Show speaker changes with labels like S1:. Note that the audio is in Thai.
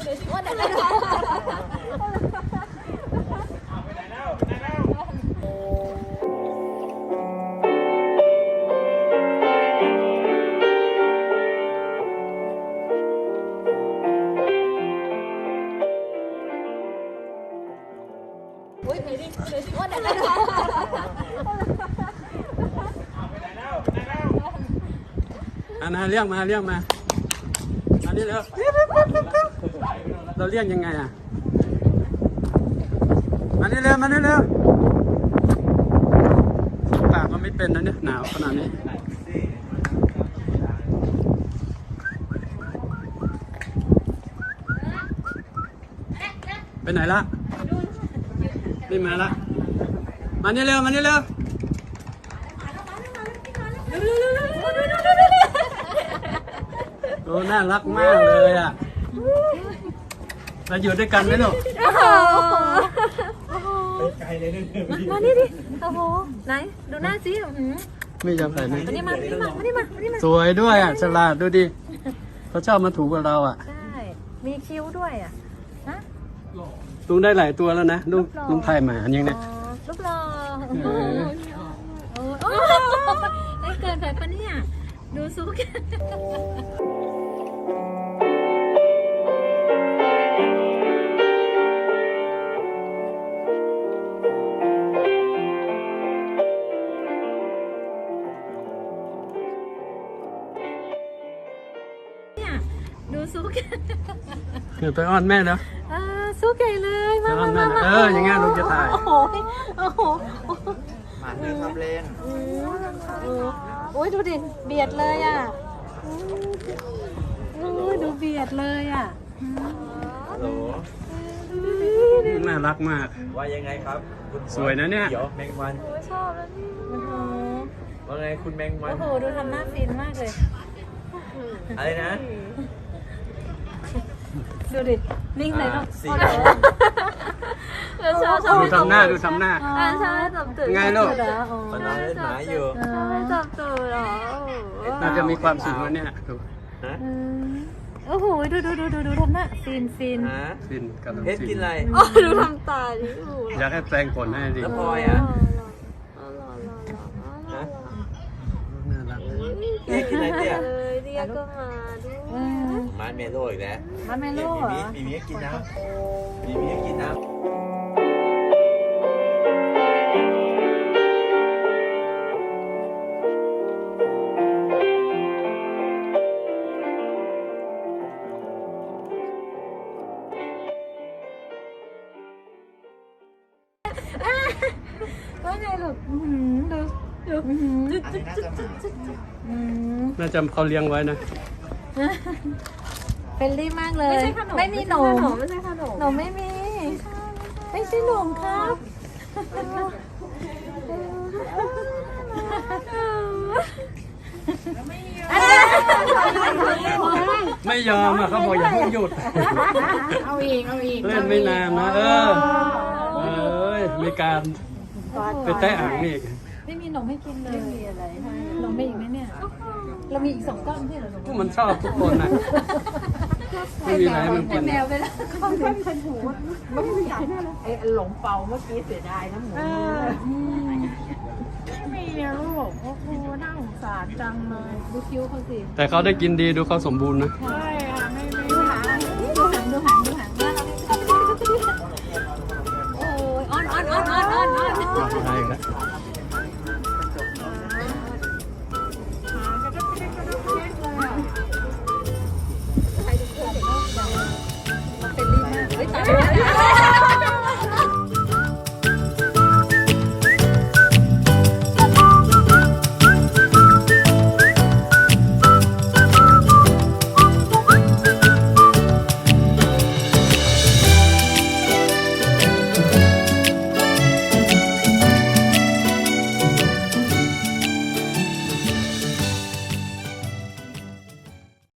S1: นาเรียกมาเรียกมาอันนี้แล้วเราเรียกยังไงอ่ะมานี่เร็วมานี่เร็วปากก็ไม่เป็นนะเนี่ยหนาวขนาดนี้ไปไหนละไม่มาละมานี่เร็วมานี่เร็วโอ้น่ารักมากเลยอ่ะเราอยู่ด้วยกันไหมลูก
S2: ไปไกลเลยเนี่ย
S3: มานี่ดิโอ้โหไหนดูหน้าสิ
S1: ไม่ยอมใส่ไหม
S3: มานี่มา
S1: สวยด้วยอ่ะฉลาดดูดิเขาชอบมาถูกับเราอ่ะ
S3: ใช่มีคิ้วด้วยอ่ะฮะ
S1: ลุงได้หลายตัวแล้วนะลุงไทยหมาอันยังเนี่ย
S3: รูปหล่อโอ้ยเกินไปปะเนี่ยดูซุกดูซุก
S1: เดี๋ยวไปอ้อนแม่แล้ว
S3: ซุกใหญ่เลยมา
S1: อย่างเงี้ยลุงจะถ่าย
S3: โอ้โห
S2: หมาเดินทำเลน
S3: โอ้ยดูดิเบียดเลยอ่ะดูเบียดเลยอ่ะ
S2: โห
S1: น่ารักมาก
S2: ว่ายังไงครับ
S1: สวยนะเนี่ย
S2: เดี๋ยวแมงวัน
S3: ชอบแล้วนี่
S2: ว่าไงคุณแมงวัน
S3: โอ้โหดูทำหน้าฟินมากเลย
S2: อะไรนะ
S3: ดูดินิ่งเลยเนาะ
S1: ดูทำหน้าใ
S3: ช่จับตูด
S1: ไงลูก
S2: มันนอนเล่นหมาอยู่
S3: จับตูดเหรอ
S1: น่าจะมีความสุขแล้วเนี่ยดู
S3: โอ้โหดูทำหน้าฟิน
S1: ฟินกับ
S2: เพชรกินอะไร
S3: ดูทำตาดิ
S1: อยากให้แปลงขนให้ดิ
S2: แล้วพลอยอ่ะ
S1: น่ารัก
S2: เอ๊ะกินอะไรเนี่ย
S3: เรียกก็มาด้วย
S2: มาเมโลอีกแล้ว
S3: มาเมโล
S2: มีกินน้ำมีกินน้ำ
S3: ว่าไงลูกดู
S1: น่าจะเขาเลี้ยงไว้นะ
S3: เป็นรีมากเลยไม่มีหนมไม่ใช่ขนมหนมไม่มีไม่ใช่หนมครับ
S1: ไม่ยอมอ่ะเขาบอกอย่าเพิ่งหยุด
S3: เอาอีก
S1: เล่นไม่นานนะมีการไปแตะอ่างนี่
S3: ไม่มีหนมให้กินเลยไม่มีอะไรให้หนมไม่อีกไหมเนี่ยเรามีอีก2 ก้อนที่เหรอ
S1: มันชอบทุกคนนะไม่มีอะไรมันกิน
S3: แมวไปแล้วเขาเป็นหูไม่อยากไอ้หลงเปาเมื่อกี้เสียดายนะหมูไม่มีอะลูกโอ้โหน่าสงสารจังเลยดูคิ้วเขาสิ
S1: แต่เขาได้กินดีดูเขาสมบูรณ์นะ
S3: ใช่